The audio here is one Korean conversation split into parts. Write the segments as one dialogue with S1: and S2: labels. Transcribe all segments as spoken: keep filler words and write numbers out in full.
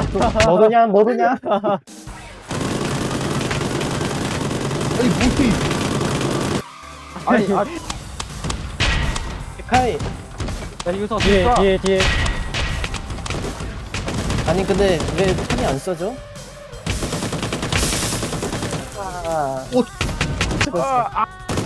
S1: 뭐드냐 뭐드냐.
S2: 아니 뭐지?
S3: 아니 아
S1: 카이
S3: 야, 이거
S1: 뒤에
S3: 쏴.
S1: 뒤에 뒤에. 아니 근데 왜 탄이 안 써져? 아,
S2: 오.
S1: 죽었어.
S3: 아, 아.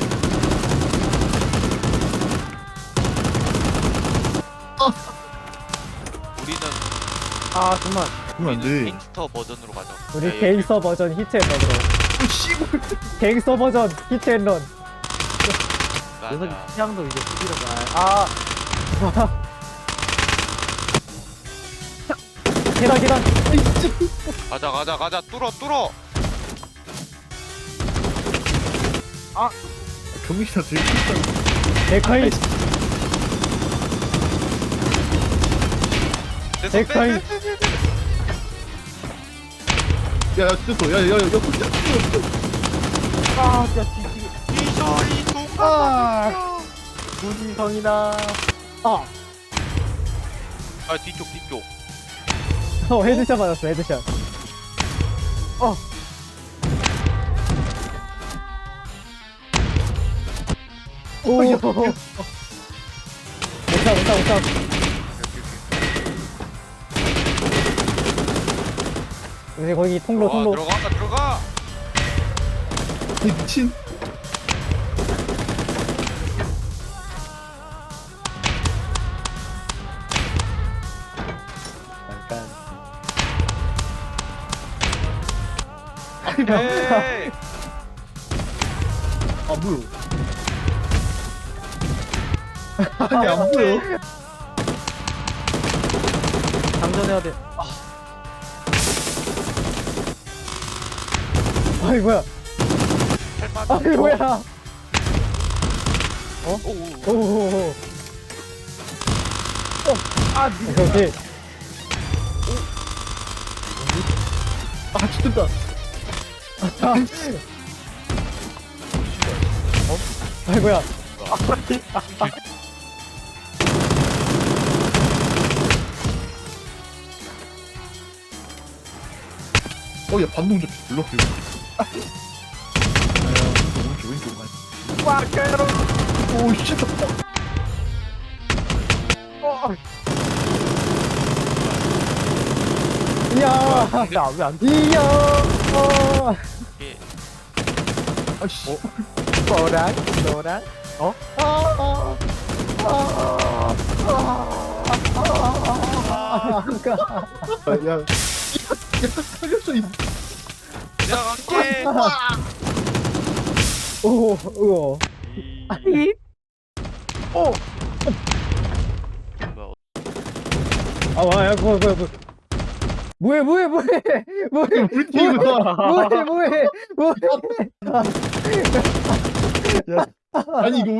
S4: 우리는
S3: 아 정말
S2: 그러면 안
S4: 우리는
S2: 돼.
S4: 갱스터 버전으로 가자.
S1: 우리
S4: 야,
S1: 갱서 버전 히트앤런으로.
S2: 오 씨발.
S1: 갱서 버전 히트앤런.
S4: 맞아.
S3: 녀석이 취향도 이제 부지런가. 아
S1: 계단 계단.
S4: 가자 가자 가자 뚫어 뚫어.
S2: 경기사 되게 싫다.
S1: 데카이
S4: 됐어
S1: 데카이.
S2: 야야 됐어. 야야야 야.
S3: 아, 진짜 뒤지게
S4: 이소리 동감.
S1: 아.
S3: 무지성이다.
S1: 아.
S4: 아 뒤쪽 뒤쪽.
S1: 어 헤드샷 맞았어 헤드샷.
S3: 어.
S1: 오. 못차 못차 못차. 이제 거기 통로
S4: 들어가
S1: 통로.
S4: 들어가 들어가.
S2: 이 미친.
S1: 잠깐.
S4: 에이.
S2: 안 보여. 아니 안 보여.
S3: 장전해야 돼.
S1: 아이 뭐야?
S4: 할만.
S1: 아이 뭐야?
S4: 오오.
S1: 오오오.
S3: 아,
S1: 오케이 오케이.
S2: 아 죽겠다.
S1: 아이 뭐야?
S2: 어야 반동 좀 불러. 아. 오른쪽 왼쪽 왼쪽.
S3: 와, 괴로.
S2: 오 씨.
S3: 어,
S1: 이야.
S3: 나왜안
S1: 이야. 어.
S4: 예.
S2: 아씨.
S3: 너랑 너랑
S1: 아. 아. 아. 아. 그러니까.
S2: 야. 야 살렸어 이.
S4: 내가 갈게.
S1: 오. 우와.
S3: 아니. 오.
S4: 뭐,
S1: 아, 뭐야, 뭐야, 뭐야, 뭐야. 뭐해, 뭐해, 뭐해, 뭐해,
S2: 우리 팀이다.
S1: 뭐해, 뭐해, 뭐해.
S2: 아니 이거